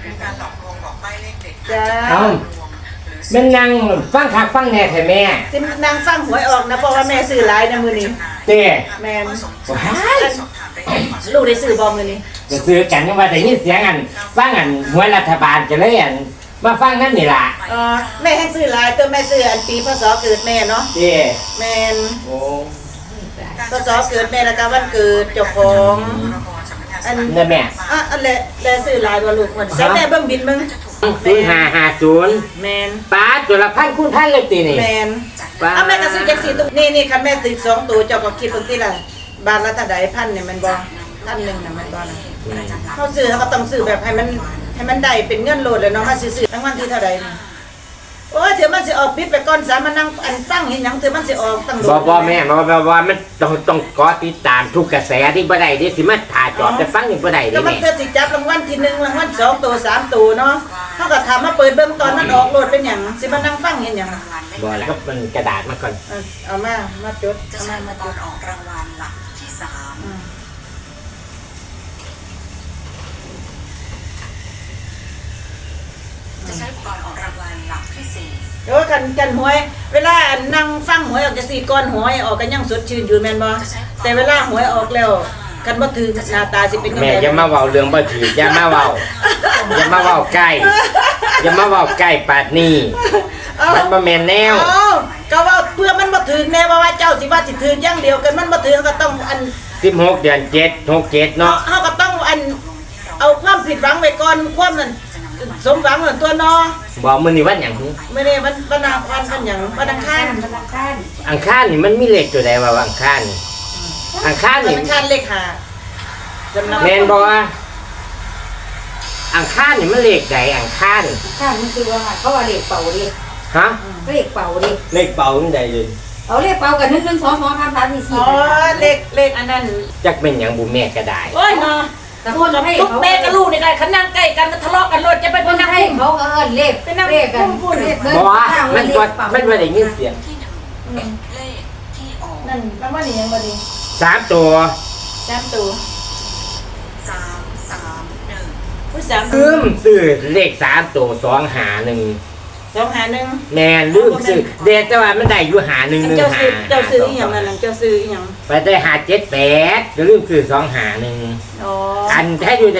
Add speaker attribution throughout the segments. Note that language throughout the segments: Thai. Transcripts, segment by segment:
Speaker 1: การหลอกลวงบอกใบ้เลขเด็ด
Speaker 2: จ้า
Speaker 3: เอามันนั่งฟังคักฟังแน่แท้แม่
Speaker 2: สินางฟังหวยออกนะเพราะว่าแม่ซื้อหลายนะมื้อนี้
Speaker 3: เต้
Speaker 2: แม่น
Speaker 3: ว้าย
Speaker 2: ลูกได้ซื้อบ่มื้อนี้
Speaker 3: จะซื้อกันยังว่าแต่ยินเสียงอันฟังอันหวยรัฐบาลจะเลยอันมาฟังนั่นนี่ล่ะ
Speaker 2: แม่ให้ซื้อหลายตัวแม่ซื้ออันปีพศเกิดแม่เนาะ
Speaker 3: เต้
Speaker 2: แม่น
Speaker 3: โอ้
Speaker 2: พศเกิดแม่แล้วก็วันเกิดเจ้าของอัน
Speaker 3: นี่แม่
Speaker 2: อันแลซื้อหลายบ่ลูกมันใส่แม่เบิ่งบินเบิ่ง
Speaker 3: 0550
Speaker 2: แม่น
Speaker 3: ป้าตัวละพันคูณพันเลยตีนี่
Speaker 2: แม่น
Speaker 3: ป้า
Speaker 2: แม่ก็ซื้อจัก4ตัวนี่คันแม่ซื้อ2ตัวเจ้าก็คิดเบิ่งติล่ะบาทละเท่าใดพันเนี่ยมันบ่พันหนึงน่ะมันบ่ล่ะเฮาซื้อเฮาก็ต้องซื้อแบบให้มันได้เป็นเงินโลดเลยเนาะมาซื้อรางวัลที่เท่าใดนี่โอ้ยเดี๋ยวมันสิออกปิดไปก่อนสามานั่งอันฟังเห็นหยังเดี๋ยวมันสิออกตั้งโลด
Speaker 3: บ่แม่บ่มันต้องกอติดตามทุกกระแสที่บ่ได้ดิสิมาถ่ายจอบแต่ฟังนี่บ่ได้ดิ
Speaker 2: ก็มัน
Speaker 3: แม่
Speaker 2: เกิดสิจับรางวัลที่1รางวัล2ตัว3ตัวเนาะเฮาก็ถามมาเปิดเบิ่งตอนมันออกโลดเป็นหยังสิมานั่งฟังเห็นหยัง
Speaker 3: บ่แล้วก็มันกระดาษมาก่อน
Speaker 2: เอามาจด
Speaker 1: จะ
Speaker 2: เอา
Speaker 1: ใช้
Speaker 2: มา
Speaker 1: ต
Speaker 2: จ
Speaker 1: อน
Speaker 2: ด
Speaker 1: ออกรางวัลหลักที่สาม จะใช้อุปกรณ์ออกรางวัลหลักที่สี่
Speaker 2: เดี๋ยวกันหวย เวลานั่งฟังหวยออกจะสี่ก้อนหวยออกกันยังสดชื่นอยู่แม่นบ่แต่เวลาหวยออกแล้วกันบ่ถือหน้าตาสิเป็นจัง
Speaker 3: แม่
Speaker 2: ได๋
Speaker 3: อย่ามาเว้าเรื่องบ่ถืออย่ามาเว้าใกล้อย่ามาเว้าใกล้ปาดนี้มันบ่แม่นแนว
Speaker 2: เอ้าก็ว่าเพื่อมันบ่ถือแน่ว่าเจ้าสิว่าสิถืออย่างเดียวกันมันบ่ถือก็ต้องอัน
Speaker 3: 16 เดือน7 67เนาะ
Speaker 2: เฮาก็ต้องอันเอาความผิดหวังไว้ก่อนความนั้นสมหวังเหมือนตัวเนาะ
Speaker 3: บอกมื้อนี้วันหยังหึ
Speaker 2: ไม่ได้วันอังหยังวันอังคาร
Speaker 3: อังคารนี่มันมีเลขตัวใดว่าอังคารนี่อังคาร
Speaker 2: วัน
Speaker 3: นี่
Speaker 2: อังคารเลขห้าจำนำ
Speaker 3: แม่นบ่ว่าอังคารนี่มันเลขใดอังคาร
Speaker 4: ข้ามันคือว่าเขาว่าเลขเป่าดิ
Speaker 3: ฮะ
Speaker 4: เลขเป่าดิ
Speaker 3: เลขเป่าจังใดเลย
Speaker 4: เอาเลขเป่ากัน1 1 2 2 3 3 4
Speaker 2: อ๋อ
Speaker 4: 4
Speaker 2: เลขอันนั้น
Speaker 3: จักเป็นหยังบ่แม่ก็ได้
Speaker 2: โอ้ยเนาะ
Speaker 4: แต่คนให้
Speaker 2: ลูก
Speaker 4: เขา
Speaker 2: แม่กับลูกนี่กันขันนั่งใกล้กันทะเลาะกันรถจะเป็น
Speaker 4: คน
Speaker 2: นั่ง
Speaker 4: ให้
Speaker 2: พุ่ม
Speaker 4: เขาเอิ้นเลขเลขกันเลขเบิ่ง
Speaker 3: บ่ว่า
Speaker 4: ข้าง
Speaker 3: มัน
Speaker 4: เล
Speaker 3: บ่
Speaker 4: ขเป่า
Speaker 3: มันบ่ได้ยินเสียง
Speaker 1: ที่หนึ่งเลขที่ออก
Speaker 2: นั่นแล้วว่านี่ยังบ่ดี
Speaker 3: 3ตัว
Speaker 2: สามตัว
Speaker 1: 331
Speaker 2: ผู้สาม
Speaker 3: ลืมซื้อเลข3ตัว251
Speaker 2: 251
Speaker 3: แม่นลืมซื้อเดแต่ว่ามันได้อยู่5115
Speaker 2: เจ้าซื้ออีหยังนั่นน่ะเจ้าซื้ออีหยัง
Speaker 3: ไปได้578ก็ลืมซื้อ251
Speaker 2: อ๋อ
Speaker 3: อันแท้อยู่ได้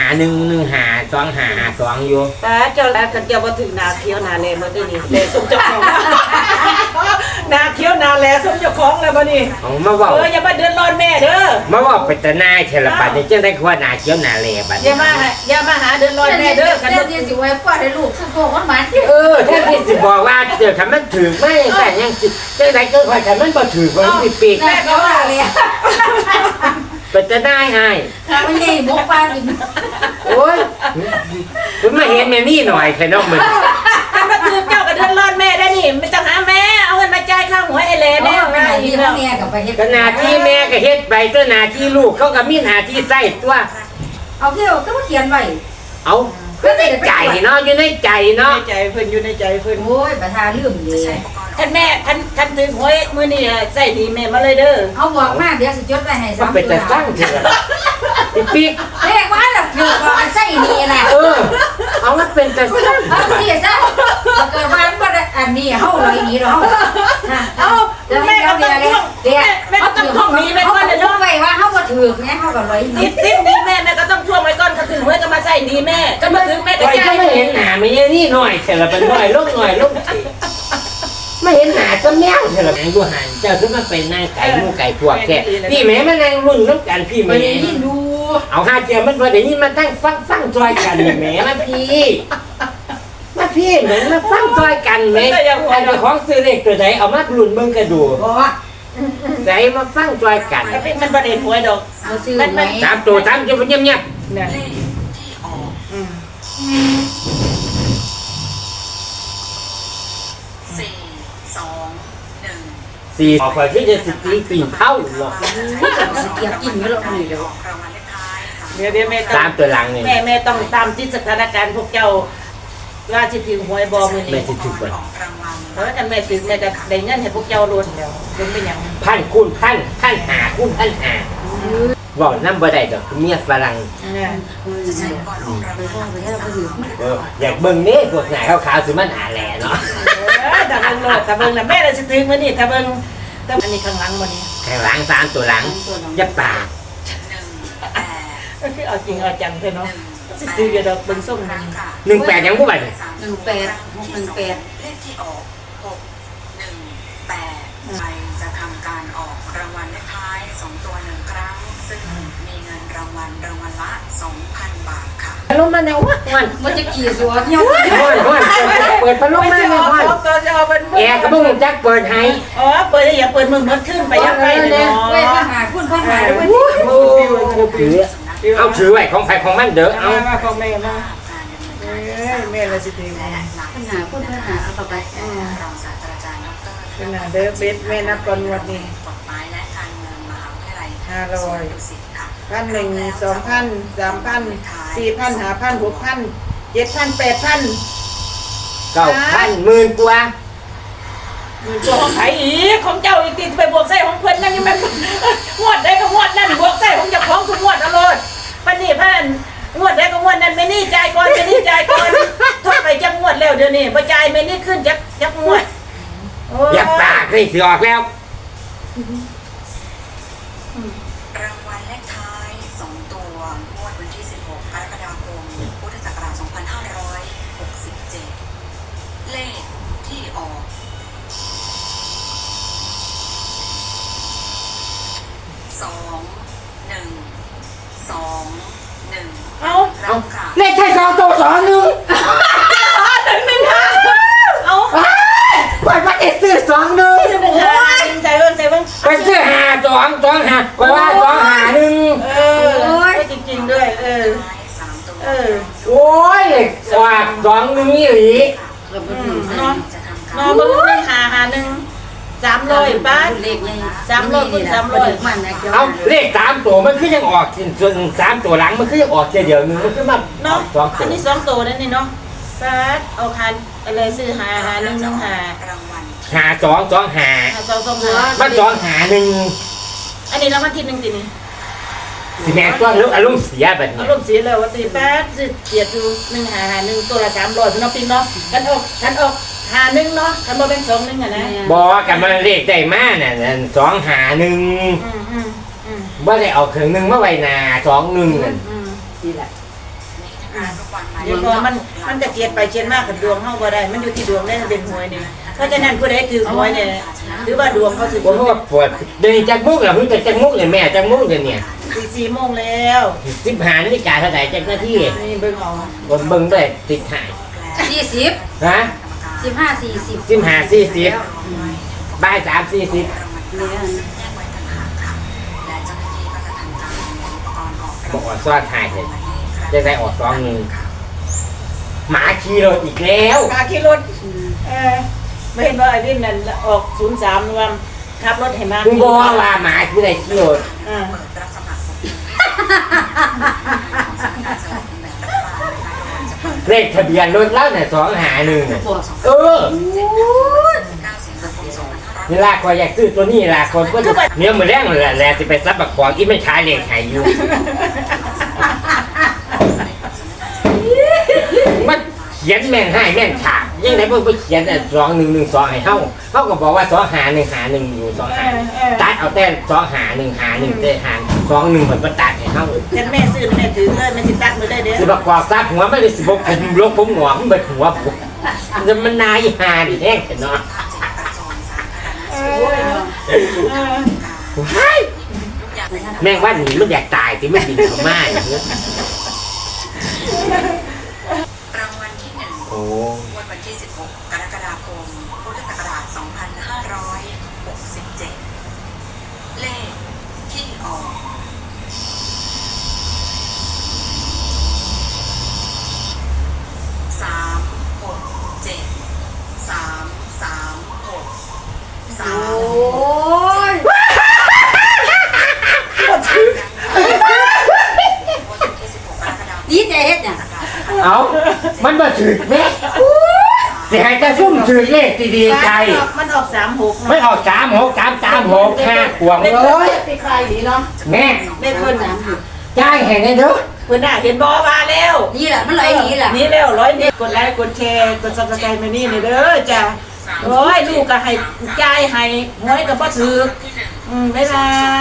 Speaker 3: 51152552อยู่
Speaker 2: ป้าเจ้าแล้วกันเจ้าบ่ถึงนาเขียวนาแลบ่ได้นี่แลสมเจ้าของนาเขียวนาแลสมเจ้าของแล้วบ่นี่
Speaker 3: เอามาเว้า
Speaker 2: อย่ามาเดือดร้อนแม่เด้อ
Speaker 3: มาเว้าไปแต่นายเทละบัดนี้จังได้ว่าหน้าเขียวหน้าแลบัด
Speaker 2: อย่ามาหาเดือดร้อนแม่เด้อกัน
Speaker 4: เดี๋
Speaker 2: บ่
Speaker 4: ยวสิไว้ป้าให้ลูกสุโขมันมัน
Speaker 3: แท้ที่สิบอกว่าเดี๋ยวคันมันถูกไม่แต่ยังสิจังไดก็ค่อยคันมันบ่ถูกมันสิปีก
Speaker 4: แม่ก็ว่าเลย
Speaker 3: ไปแต่นายให้
Speaker 4: มันใหญ่หมกปลากิน
Speaker 3: โอ้ยคุณมาเห็นแม่นี่หน่อยแค่น้องมึง
Speaker 2: กันมาคือเจ้าก็เดือดร้อนแม่ได้นี่ไม่ต้องหาแม่เอาเงินมาจ่ายค่าหัวไอ้แล
Speaker 4: แม่
Speaker 2: แน่
Speaker 4: แม่
Speaker 2: ง่ายอี
Speaker 4: ที่
Speaker 2: กแล้ว
Speaker 4: แม่กับไปเฮ็ด
Speaker 3: ก็หน้าที่แม่ก็เฮ็ดไปตัวหน้าที่ลูกเขาก็มีหน้าที่ใส่ตัว
Speaker 4: เอาเที่ยวก็มาเขียนไว้
Speaker 3: เอาก็ในใจเนาะอยู่ในใจ
Speaker 2: ใน
Speaker 3: เนาะ
Speaker 2: ใจเพิ่นอยู่ในใจเพิ่น
Speaker 4: โอ้ยประธานลืมเล
Speaker 1: จะใช้
Speaker 4: ย
Speaker 1: อุปกรณ์
Speaker 2: ท่านแม่ท่านถึงหวยมื้อนี้ใส่ดีแม่มาเลยเด้อ
Speaker 4: เอาบอกมาเดี๋ยวสิจดไว้ให้
Speaker 3: มันเป็นแต่สร้างเถอะอีปีก
Speaker 4: เลขว่าแล้วถือว่าใส่นี่แหละ
Speaker 3: เอามันเป็นแต่สร้าง
Speaker 4: เอาสิซะเกิดว่ามันบ่อันนี้เฮาเลยนี่เนาะ
Speaker 2: เอ้าแม่ก็ต้องท่องแม่ก็ต้องท่องนี้ไปก่อนเด้อ
Speaker 4: เนาะไว้ว่าเฮาบ่ถือแม่เฮาก็เลย
Speaker 2: ติดนี้แม่ก็ต้องท่วงไว้ก่อนถ้าถึงหวยก็มาใส่ดีแม่ก็มาถึงแม่ก็
Speaker 3: ไว้
Speaker 2: จ่า
Speaker 3: ก็
Speaker 2: ย
Speaker 3: ไม่เห็นหน้าไม่ใช่นี่หน่อยเถอะละเป็นหน่อยลงไม่เห็นหน้าก็แมวเถอะละแมงดูหันเจ้าซึ่งมันเป็นนางไก่มูไก่พวกแค่พี่แม่มันนางรุ่นน้ำกันพี่
Speaker 4: บ่
Speaker 3: แม่
Speaker 4: ได้ยินดู
Speaker 3: เอาห้าเจียมันพอเดี๋ยวนี้มันตั้งฟังจอยกันแม่มาพี่เหมือนมาฟังจอยกันแม่ไอ้ของซื้อเล็กตัวไหนเอามารุ่นเบิ่งกระดู
Speaker 4: บ่
Speaker 3: ใจมาฟังจอยกัน
Speaker 2: มันบ่ได้หวยดอก
Speaker 4: บ่ซื้อไหม
Speaker 3: 3 ตัว3จะเงียบ
Speaker 2: เนี่ย
Speaker 1: เลขที่ออก421
Speaker 3: 4ออกไปที่จะสิตีปีนเท่าหรอก
Speaker 4: สิเกียบกินอยู่แล้วนี่เด้อ
Speaker 1: ออกรางวัลเลขท้าย3
Speaker 2: เดี๋ยวแม่ต้อง
Speaker 3: 3ตัวหลังนี่
Speaker 2: แม่ต้องตามที่สถานการณ์พวกเจ้าว่าสิถึงหวยบ่มื้อ
Speaker 3: แม่
Speaker 2: นี้
Speaker 3: สิถูกบ่
Speaker 1: ออกรางวัล
Speaker 2: เพราะว่ากันแม่ถึงแม่ก็ได้เงินให้พวกเจ้ารวดแล้วเพิ่นเป็นหยัง
Speaker 3: พันคูณพันหาคูณพันหาบอกน้ำบ่ได้ดอกเมียฝรั่ง
Speaker 2: เนี่ย
Speaker 1: จะใช้ก่อนออกรางวัลหลักที่สาม
Speaker 3: อยากเบิ่งนี่พวกหน้าขาวๆสิมันหาแหล่เนาะ
Speaker 2: ถ้าเบิ่งโลดถ้าเบิ่งน่ะแม่เลยสิถึงมื้อนี้ถ้าเบิ่งแต่อันนี้ข้างหลังบ่นี่
Speaker 3: ข้างหลัง3ตัวหลังอย่าปาก
Speaker 1: 1 8
Speaker 2: ก็คือเอาจริงเอาจังเพิ่นเนาะสิซื้ออยู่ดอกเบิ่งส้มมัน
Speaker 3: 18ยังบ่บัดนี่
Speaker 1: เลขที่ออก6 1 8ใครจะทำการออกรางวัลเลขท้าย2ตัว1ครั้งซึ่งมีเงินรางวัลละ 2,000 บาทค่ะ
Speaker 3: พัดลมมาแนววัน
Speaker 4: มันจะขี่สวนเนี่ย
Speaker 3: เปิดพัดลมมาแนววัน
Speaker 2: ตัวจะเอาเป็น
Speaker 3: แอร์ก็บ่ฮู้จักเปิดให้
Speaker 2: อ๋อเปิดอย่าเปิดมือหมดขึ้นไปยังไงเนาะ
Speaker 4: เว้ยมาหาคุณพ่อหาด้วย
Speaker 3: โอ้ถือเอาถือไว้ของใครของมันเด้อเอา
Speaker 2: มาของแม่มาเอ้ยแม่เลยสิถึง
Speaker 4: ปัญหาคุณพ่อหาเอาต่อไป
Speaker 1: รองศาสตราจารย์ดร
Speaker 2: ขนาดเด้อเบ็ดแม่นับก่อนงวดนี้
Speaker 1: กฎหมายและการเมืองมหาวิทยาลัย
Speaker 2: 500
Speaker 1: ดุสิตค่ะ
Speaker 2: 1,000 2,000 3,000 4,000 5,000 6,000 7,000 8,000
Speaker 3: 9,000หมื่นกว่า
Speaker 2: ตัวของไผอีกของเจ้าอีกติไปบวกใส่ของเพิ่นนั่นยังแม่นงวดได้ก็งวดนั่นบวกใส่ของเจ้าของทุกงวดเอาโลดปานนี้เพิ่นงวดได้ก็งวดนั้นแม่นี่จ่ายก่อนแม่นี่จ่ายก่อนโทษไปจักงวดแล้วเดี๋ยวนี้บ่จ่ายแม่นี่ขึ้นจักงวดโอ้
Speaker 3: อย่าปากนี่สิออกแล้ว
Speaker 1: รางวัลเลขท้าย2ตัวงวดวันที่ 16 กรกฎาคม พุทธศักราช 2567 เลขที่ออก 2 1 2 1
Speaker 2: เอา
Speaker 1: รังค่ะ
Speaker 3: เลขแค่2ตัว2 1
Speaker 2: 1 1 5เอา
Speaker 3: ไปว่าจะซื้อ2 1
Speaker 2: 1 5ใส่เบิ่ง
Speaker 3: ไปซื้อ5 2 2 5ไปว่า2 5 1
Speaker 2: เออจริงๆด้วย
Speaker 1: ท้าย3ตัว
Speaker 3: โอ้ยว่า2 1นี่หลี
Speaker 4: เกือบถึง
Speaker 2: เนาะ
Speaker 1: จะทำ
Speaker 2: น
Speaker 1: กา
Speaker 2: อ
Speaker 1: ร
Speaker 2: เบิ่ง300 บาท
Speaker 4: เลขยัง
Speaker 2: 300
Speaker 4: มันนะ
Speaker 3: เอาเลข3ตัวมันคือยังออกส่วน3ตัวหลังมันคือยังออกแค่เดียวนึงมันคือมา
Speaker 2: เนาะ
Speaker 3: 2
Speaker 2: อั
Speaker 3: ตั
Speaker 2: น
Speaker 3: ว
Speaker 2: นี้2ตัวนั่นนี่เนาะบาทเอาคันอะไรซื้อหา1 1 5
Speaker 1: รางวัล
Speaker 3: 5 2 2 5
Speaker 2: 2 2 5
Speaker 3: มัน2 5 1
Speaker 2: อันนี้รางวัลที่1ตินี่
Speaker 3: สิแม่ตัวลูกอารมณ์เสียแบบ
Speaker 2: อา
Speaker 3: นี้
Speaker 2: รมณ์เสียแล้วว่าตีแป๊ดสิเกียรติ1 5 5 1ตัวละ300พี่น้องปิงเนาะกันออก51เนาะกันบ่เป็น2 1อ่ะนะ
Speaker 3: บอกกันมาเลขได้มาน่ะ2 5 1
Speaker 2: อืม
Speaker 3: บ่ได้เอาเครื่องนึงมาไว้หน้า2 1นั่น
Speaker 4: นี่แหละ
Speaker 1: ในทางทุกวัน
Speaker 2: เดี๋ยวพอมันจะเกียรติไปเกียรติมากกับดวงเฮาบ่ได้มันอยู่ที่ดวงได้เป็นหวยนี่เพราะฉะนั้นผู้ใดถือหวยเนี่ยถือว่าดวงเขาสิ
Speaker 3: ผมว่าปวดเดินจากมุกแล้วเพิ่งจะจากมุกเลยแม่จากมุกเลยเนี่ย
Speaker 2: 4 โมงแล้ว
Speaker 3: 15 นาฬิกาเท่าไหร่จากหน้าที่
Speaker 2: นี่เบิ่งเอา
Speaker 3: บนเบิ่งได้ติดหาย
Speaker 4: 40
Speaker 3: ฮะ
Speaker 4: 15 40
Speaker 3: 15 40บ่าย3 40
Speaker 1: รางวัลที่แยกไว้ต่างหากค่ะและเจ้าหน้าที่ก็จะทำการอุปกรณ์ออก
Speaker 3: บอกว่าซ้อนถ่ายเสร็จจะได้ออก2 1หมาขี่รถอีกแล้ว
Speaker 2: มาขี่รถไม่เห็นว่าไอ้วินนั่นออก03ว่าขับรถให้มา
Speaker 3: มึงบอกว่าหมาคือได้ขี่รถ
Speaker 2: อ่า
Speaker 1: เปิดรับสมัครของสำนักงานสลากกินแบ่งรัฐบาลนะคะโดยจะเปิด
Speaker 3: เลขทะเบียนรถแล้วเนี่ย2 5 1น่ะ
Speaker 4: ปวด
Speaker 3: เออ
Speaker 1: 9 สิงหาคม 2567
Speaker 3: นี่ล่ะคอยอยากซื้อตัวนี้ล่ะคนก็เนี่ยมือแรงเลยแหละสิไปซับบักของอีไม่ขายเลขขายอยู่ มันเขียนแม่งให้แม่งขาดยังไงเพิ่งไปเขียน2112ให้เฮาก็บอกว่า25151อยู่25ตัดเอาแต่25151แต่หาร21มันบ่ตัดให้เฮา
Speaker 2: ฉันแม่ซื้อแม่ถือเลยแม่สิตัดมือได้เด้อ
Speaker 3: สิบักกอกซับหัวไม่ได้สิบ่ผมลกผมหงอกมันเบิดหัวผมมันนายหาดิแห้งเนาะ แม่งว่าหนีมันอยากตายที่ไม่บินเขามาอย่างเงี้ย
Speaker 1: รางวัลที่ 1
Speaker 3: โอ้
Speaker 1: วันที่ 16 กรกฎาคม พุทธศักราช 2567 เลขที่ออก
Speaker 4: ดีใจเฮ็ดเนี่ย
Speaker 3: เอามันมาถึกแม่
Speaker 1: 3
Speaker 3: สิให้จะซุ่มถือเลขดีๆใจ
Speaker 2: มันออก36
Speaker 3: ไม่ออก36 336 5ขวงเลย
Speaker 2: ปีคายดีเนาะ
Speaker 3: แม่
Speaker 2: เลขเพิ่น
Speaker 3: จ่ายให้แน่เด้อ
Speaker 2: เพิ่นน่ะเห็นบ่ว่าแล้ว
Speaker 4: นี่แหละมันไหลหนีแหละ
Speaker 2: นี่แล้ว100นิดกดไลค์กดแชร์กด Subscribe มานี่เด้อจ้ะโอ้ยลูกก็ให้จ่ายให้หวยก็บ่ถูกบ๊ายบาย